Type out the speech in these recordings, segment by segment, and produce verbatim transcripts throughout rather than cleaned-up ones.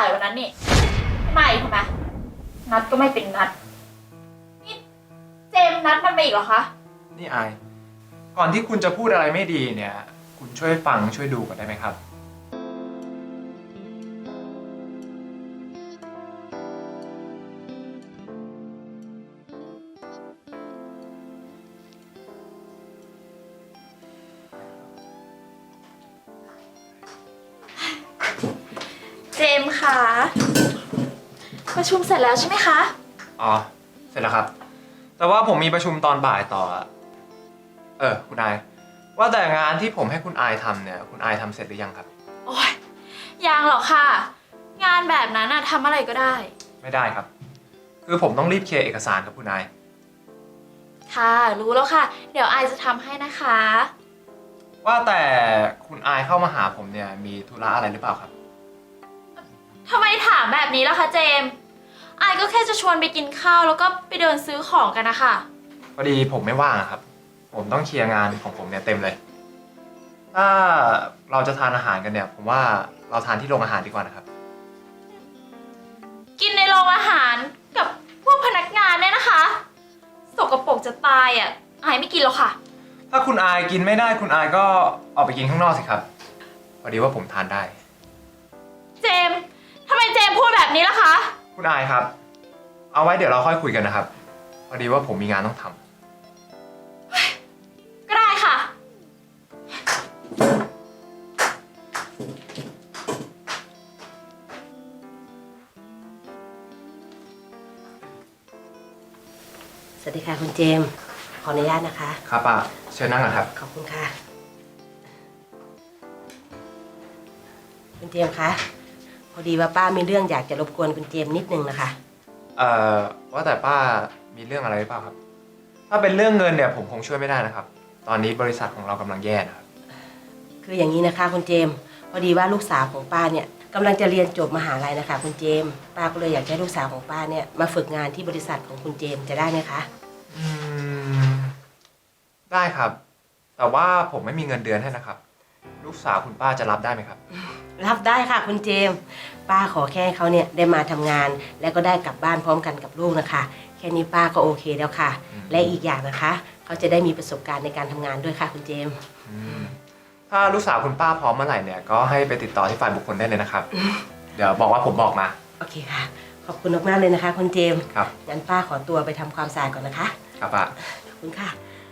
ายวันนั้นนี่ไม่ทำไมนัดก็ไม่เป็นนัดนี่เจมส์นัดมันมาอีกเหรอคะนี่อายก่อนที่คุณจะพูดอะไรไม่ดีเนี่ย คุณช่วยฟังช่วยดูก่อนได้ไหมครับเจมส์คะประชุมเสร็จแล้วใช่ไหมคะอ๋อเสร็จแล้วครับแต่ว่าผมมีประชุมตอนบ่ายต่อเออคุณอายว่าแต่งานที่ผมให้คุณอายทำเนี่ยคุณอายทำเสร็จหรือยังครับโอ้ยยังหรอกค่ะ งานแบบนั้นอะทำอะไรก็ได้ไม่ได้ครับคือผมต้องรีบเคลียร์เอกสารกับคุณอายค่ะรู้แล้วค่ะเดี๋ยวอายจะทำให้นะคะว่าแต่คุณอายเข้ามาหาผมเนี่ยมีธุระอะไรหรือเปล่าครับทำไมถามแบบนี้ล่ะคะเจมส์อายก็แค่จะชวนไปกินข้าวแล้วก็ไปเดินซื้อของกันนะคะพอดีผมไม่ว่างครับผมต้องเคลียร์งานของผมเนี่ยเต็มเลยถ้าเราจะทานอาหารกันเนี่ยผมว่าเราทานที่โรงอาหารดีกว่านะครับกินในโรงอาหารกับพวกพนักงานเนี่ยนะคะสกปรกจะตายอ่ะอายไม่กินหรอกค่ะถ้าคุณอายกินไม่ได้คุณอายก็ออกไปกินข้างนอกสิครับพอดีว่าผมทานได้เจมส์ทำไมเจมส์พูดแบบนี้ล่ะคะคุณอายครับเอาไว้เดี๋ยวเราค่อยคุยกันนะครับพอดีว่าผมมีงานต้องทำก็ได้ค่ะสวัสดีค่ะคุณเจมส์ขออนุญาตนะคะครับป้าเชิญนั่งก่อนครับขอบคุณค่ะคุณเจมส์คะพอดีว่าป้ามีเรื่องอยากจะรบกวนคุณเจมส์นิดนึงนะคะเอ่อว่าแต่ป้ามีเรื่องอะไรหรือเปล่าครับถ้าเป็นเรื่องเงินเนี่ยผมคงช่วยไม่ได้นะครับตอนนี้บริษัทของเรากำลังแย่นะครับคืออย่างนี้นะคะคุณเจมส์พอดีว่าลูกสาวของป้าเนี่ยกำลังจะเรียนจบมหาลัยนะคะคุณเจมส์ป้าก็เลยอยากให้ลูกสาวของป้าเนี่ยมาฝึกงานที่บริษัทของคุณเจมส์จะได้ไหมคะอืมได้ครับแต่ว่าผมไม่มีเงินเดือนให้นะครับลูกสาวคุณป้าจะรับได้ไหมครับรับได้ค่ะคุณเจมส์ป้าขอแค่เขาเนี่ยได้มาทำงานแล้วก็ได้กลับบ้านพร้อมกันกับลูกนะคะแค่นี้ป้าก็โอเคแล้วค่ะและอีกอย่างนะคะเขาจะได้มีประสบการณ์ในการทำงานด้วยค่ะคุณเจมส์ถ้าลูกสาวคุณป้าพร้อมเมื่อไหร่เนี่ยก็ให้ไปติดต่อที่ฝ่ายบุคคลได้เลยนะครับเดี๋ยวบอกว่าผมบอกมาโอเคค่ะขอบคุณมากๆเลยนะคะคุณเจมส์ครับงั้นป้าขอตัวไปทำความสะอาดก่อนนะคะครับป้าขอบคุณค่ะ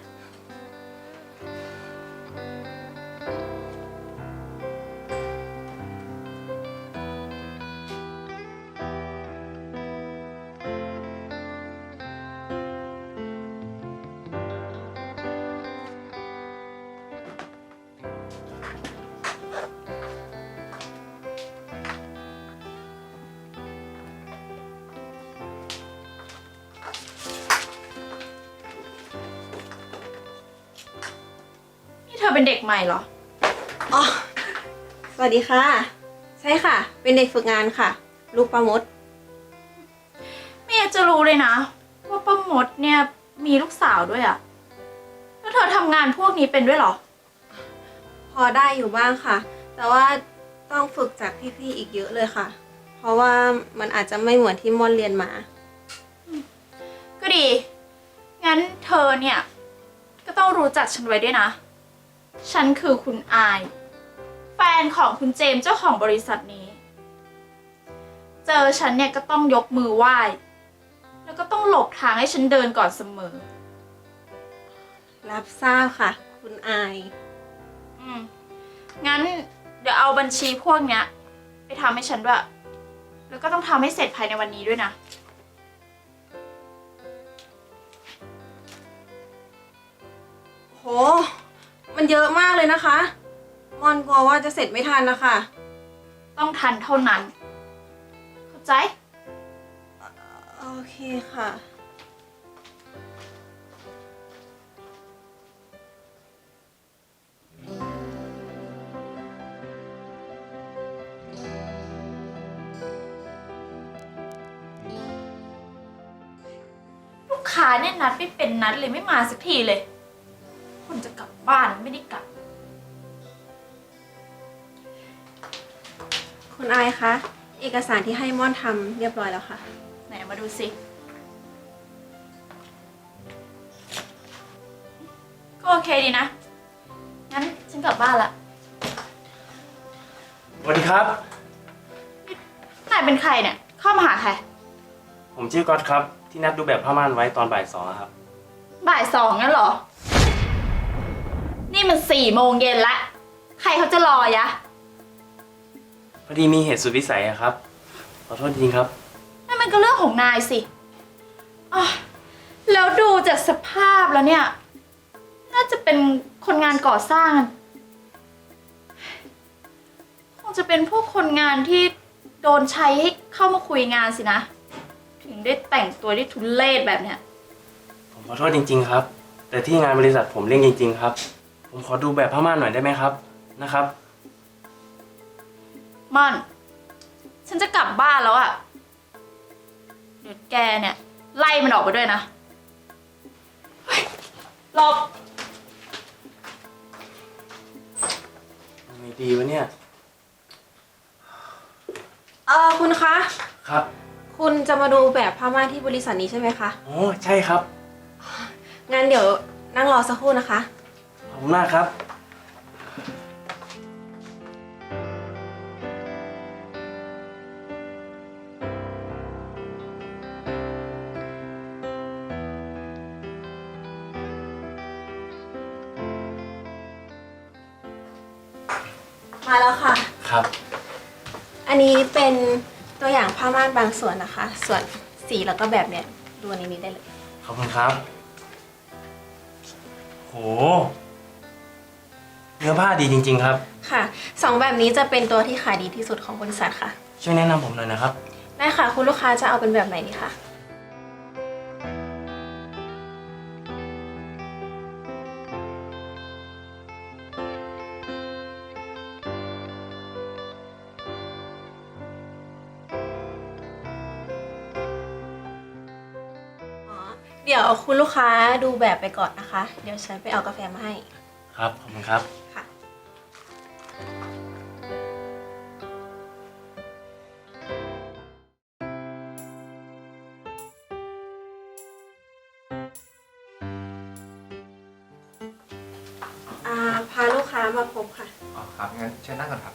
เธอเป็นเด็กใหม่เหรออ๋อสวัสดีค่ะใช่ค่ะเป็นเด็กฝึกงานค่ะลูกป้ามดไม่อยากจะรู้เลยนะว่าป้ามดเนี่ยมีลูกสาวด้วยอะแล้วเธอทำงานพวกนี้เป็นด้วยเหรอพอได้อยู่บ้างค่ะแต่ว่าต้องฝึกจากพี่ๆอีกเยอะเลยค่ะเพราะว่ามันอาจจะไม่เหมือนที่ม่อนเรียนมาก็ดีงั้นเธอเนี่ยก็ต้องรู้จักฉันไว้ด้วยนะฉันคือคุณอายแฟนของคุณเจมส์เจ้าของบริษัทนี้เจอฉันเนี่ยก็ต้องยกมือไหว้แล้วก็ต้องหลบทางให้ฉันเดินก่อนเสมอรับทราบค่ะคุณอายอืมงั้นเดี๋ยวเอาบัญชีพวกเนี้ยไปทำให้ฉันด้วยแล้วก็ต้องทำให้เสร็จภายในวันนี้ด้วยนะโหมันเยอะมากเลยนะคะมอนกลัวว่าจะเสร็จไม่ทันนะคะต้องทันเท่านั้นเข้าใจโอเคค่ะลูกค้าเนี่ยนัดไม่เป็นนัดเลยไม่มาสักทีเลยคนจะกลับบ้านไม่ได้กลับคุณอายคะเอกสารที่ให้ม่อนทำเรียบร้อยแล้วค่ะไหนมาดูสิ ก็โอเคดีนะ งั้นฉันกลับบ้านละสวัสดีครับนายเป็นใครเนี่ย เข้ามาหาใครผมชื่อก๊อตครับ ที่นัดดูแบบผ้าม่านไว้ตอนบ่ายสองอะครับบ่ายสองงั้นเหรอ นี่มันสี่โมงเย็นละ ใครเขาจะรอยะพอดีมีเหตุสุดวิสัยอะครับ ขอโทษจริงครับนั่นมันก็เรื่องของนายสิอ๋อแล้วดูจากสภาพแล้วเนี่ย น่าจะเป็นคนงานก่อสร้าง คงจะเป็นพวกคนงานที่โดนใช้ให้เข้ามาคุยงานสินะ ถึงได้แต่งตัวได้ทุเรศแบบเนี้ยผมขอโทษจริง ๆ ครับ แต่ที่งานบริษัทผมเร่งจริง ๆ ครับ ผมขอดูแบบผ้าม่านหน่อยได้ไหมครับ นะครับม่อน ฉันจะกลับบ้านแล้วอะเดี๋ยวแกเนี่ย ไล่มันออกไปด้วยนะเฮ้ยหลบยังไงดีวะเนี่ยเออคุณคะครับคุณจะมาดูแบบผ้าม่านที่บริษัทนี้ใช่ไหมคะโอ้ใช่ครับงั้นเดี๋ยวนั่งรอสักครู่นะคะขอบคุณมากครับมาแล้วค่ะครับอันนี้เป็นตัวอย่างผ้าม่านบางส่วนนะคะ ส่วนสีแล้วก็แบบเนี้ยดูในนี้ได้เลยขอบคุณครับ โห เนื้อผ้าดีจริง ๆ ครับค่ะสองแบบนี้จะเป็นตัวที่ขายดีที่สุดของบริษัทค่ะช่วยแนะนำผมหน่อยนะครับได้ค่ะ คุณลูกค้าจะเอาเป็นแบบไหนดีคะ อ๋อ เดี๋ยวคุณลูกค้าดูแบบไปก่อนนะคะ เดี๋ยวฉันไปเอากาแฟมาให้ครับ ขอบคุณครับค่ะ อ่า พาลูกค้ามาพบค่ะอ๋อครับ งั้นเชิญนั่งก่อนครับ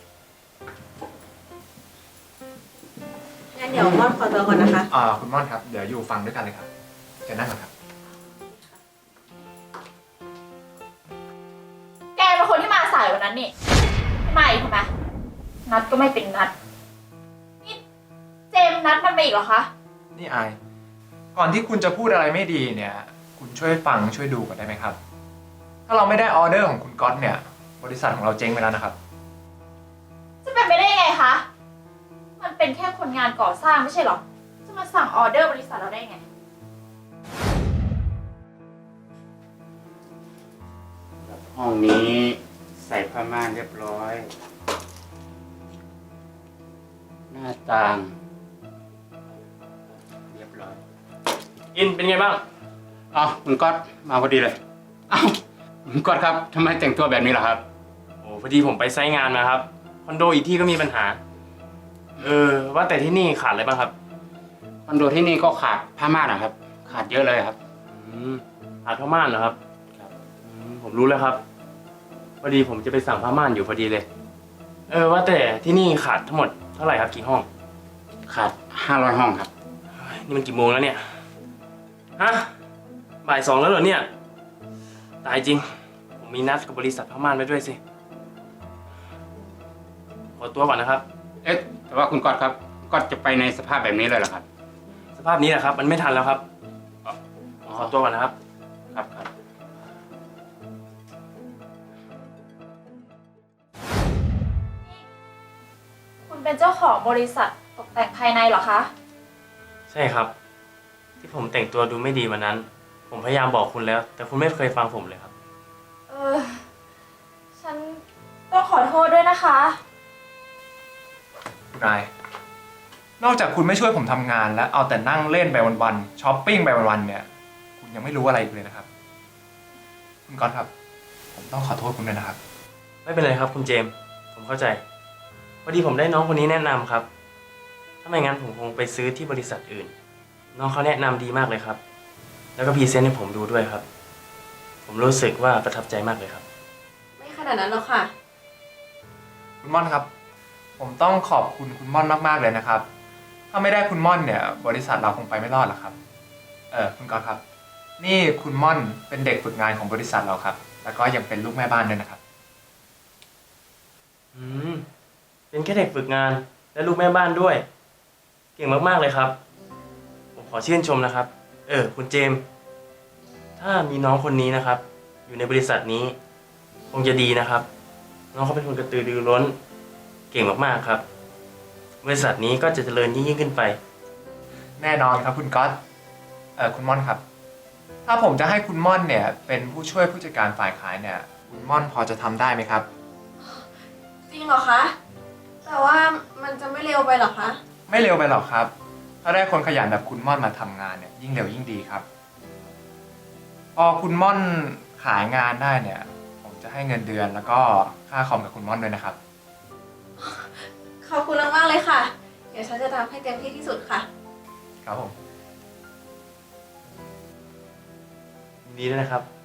งั้นเดี๋ยวม่อนขอตัวก่อนนะคะอ่า คุณม่อนครับ เดี๋ยวอยู่ฟังด้วยกันเลยครับ เชิญนั่งก่อนครับแกเป็นคนที่มาสายวันนั้นนี่ไม่มาอีกทำไมนัดก็ไม่เป็นนัด นี่เจมส์นัดมันมาอีกเหรอคะนี่อาย ก่อนที่คุณจะพูดอะไรไม่ดีเนี่ย คุณช่วยฟังช่วยดูก่อนได้ไหมครับ ถ้าเราไม่ได้ออเดอร์ของคุณก๊อตเนี่ย บริษัทของเราเจ๊งไปแล้วนะครับจะเป็นไปได้ยังไงคะ มันเป็นแค่คนงานก่อสร้างไม่ใช่เหรอ จะมาสั่งออเดอร์บริษัทเราได้ไงห้องนี้ใส่ผ้าม่านเรียบร้อย หน้าต่าง เรียบร้อยอินเป็นไงบ้างเอ้าคุณก๊อตมาพอดีเลย เอ้าคุณก๊อตครับทำไมแต่งตัวแบบนี้ล่ะครับโอ้พอดีผมไปไซต์งานมาครับ คอนโดอีกที่ก็มีปัญหา เออ ว่าแต่ที่นี่ขาดอะไรบ้างครับคอนโดที่นี่ก็ขาดผ้าม่านนะครับ ขาดเยอะเลยครับอืมขาดผ้าม่านเหรอครับครับอืมผมรู้แล้วครับ พอดีผมจะไปสั่งผ้าม่านอยู่พอดีเลย เออ ว่าแต่ที่นี่ขาดทั้งหมดเท่าไหร่ครับกี่ห้องขาดห้าร้อยห้องครับเฮ้ยนี่มันกี่โมงแล้วเนี่ย ฮะ บ่ายสองแล้วเหรอเนี่ย ตายจริง ผมมีนัดกับบริษัทผ้าม่านไว้ด้วยสิ ขอตัวก่อนนะครับเอ๊ะแต่ว่าคุณก๊อตครับคุณก๊อตจะไปในสภาพแบบนี้เลยเหรอครับสภาพนี้แหละครับ มันไม่ทันแล้วครับอ๋อขอตัวก่อนนะครับครับครับคุณเป็นเจ้าของบริษัทตกแต่งภายในเหรอคะใช่ครับ ที่ผมแต่งตัวดูไม่ดีวันนั้น ผมพยายามบอกคุณแล้ว แต่คุณไม่เคยฟังผมเลยครับเออ ฉันต้องขอโทษด้วยนะคะคุณอาย นอกจากคุณไม่ช่วยผมทำงาน และเอาแต่นั่งเล่นไปวันๆช้อปปิ้งไปวันๆเนี่ย คุณยังไม่รู้อะไรอีกเลยนะครับ คุณก๊อตครับ ผมต้องขอโทษคุณด้วยนะครับไม่เป็นไรครับคุณเจมส์ผมเข้าใจพอดีผมได้น้องคนนี้แนะนำครับถ้าไม่งั้นผมคงไปซื้อที่บริษัทอื่น น้องเขาแนะนำดีมากเลยครับ แล้วก็พรีเซนต์ให้ผมดูด้วยครับ ผมรู้สึกว่าประทับใจมากเลยครับไม่ขนาดนั้นหรอกค่ะคุณม่อนครับ ผมต้องขอบคุณคุณม่อนมากๆเลยนะครับ ถ้าไม่ได้คุณม่อนเนี่ย บริษัทเราคงไปไม่รอดหรอกครับ เออคุณก๊อตครับ นี่คุณม่อนเป็นเด็กฝึกงานของบริษัทเราครับ แล้วก็ยังเป็นลูกแม่บ้านด้วยนะครับอืม เป็นแค่เด็กฝึกงานและลูกแม่บ้านด้วย เก่งมากๆเลยครับ ผมขอชื่นชมนะครับ เออ คุณเจมส์ถ้ามีน้องคนนี้นะครับ อยู่ในบริษัทนี้ คงจะดีนะครับ น้องเขาเป็นคนกระตือรือร้น เก่งมากๆครับ บริษัทนี้ก็จะเจริญยิ่งๆขึ้นไปแน่นอนครับคุณก๊อต เออคุณม่อนครับ ถ้าผมจะให้คุณม่อนเนี่ย เป็นผู้ช่วยผู้จัดการฝ่ายขายเนี่ย คุณม่อนพอจะทำได้ไหมครับจริงเหรอคะ แต่ว่ามันจะไม่เร็วไปหรอคะไม่เร็วไปหรอกครับ ถ้าได้คนขยันแบบคุณม่อนมาทำงานเนี่ยยิ่งเร็วยิ่งดีครับ พอคุณม่อนขายงานได้เนี่ย ผมจะให้เงินเดือนแล้วก็ค่าคอมกับคุณม่อนด้วยนะครับขอบคุณมากๆเลยค่ะ เดี๋ยวฉันจะทำให้เต็มที่ที่สุดค่ะครับผมยินดีด้วยนะครับ